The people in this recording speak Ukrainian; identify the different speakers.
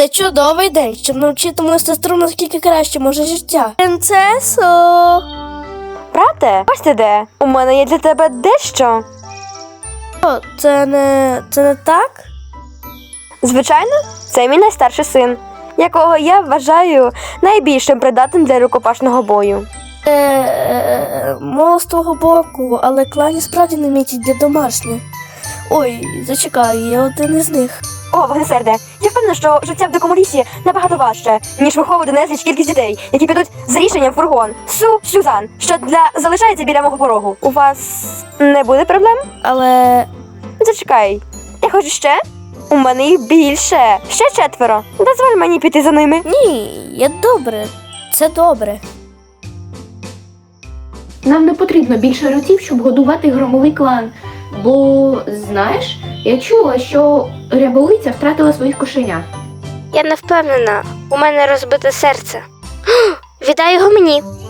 Speaker 1: Це чудовий день, щоб навчити мою сестру, наскільки краще може життя. Принцесо!
Speaker 2: Брате, ось ти де. У мене є для тебе дещо.
Speaker 1: О, це не так?
Speaker 2: Звичайно, це мій найстарший син, якого я вважаю найбільшим придатним для рукопашного бою.
Speaker 1: Мало з твого боку, але клані справді не мітять для домашніх. Ой, зачекай, я один із них.
Speaker 2: О, вогнесерде, я впевнена, що життя в дикому лісі набагато важче, ніж виховувати незліч кількість дітей, які підуть за рішенням в фургон Сюзан, що залишається біля мого порогу. У вас не буде проблем?
Speaker 1: Але...
Speaker 2: Зачекай, я хочу ще? У мене їх більше. Ще 4. Дозволь мені піти за ними.
Speaker 1: Ні, я добре. Це добре.
Speaker 3: Нам не потрібно більше ротів, щоб годувати громовий клан. Бо, знаєш, я чула, що ряболиця втратила своїх кошенят.
Speaker 4: Я не впевнена, у мене розбите серце. Віддай його мені.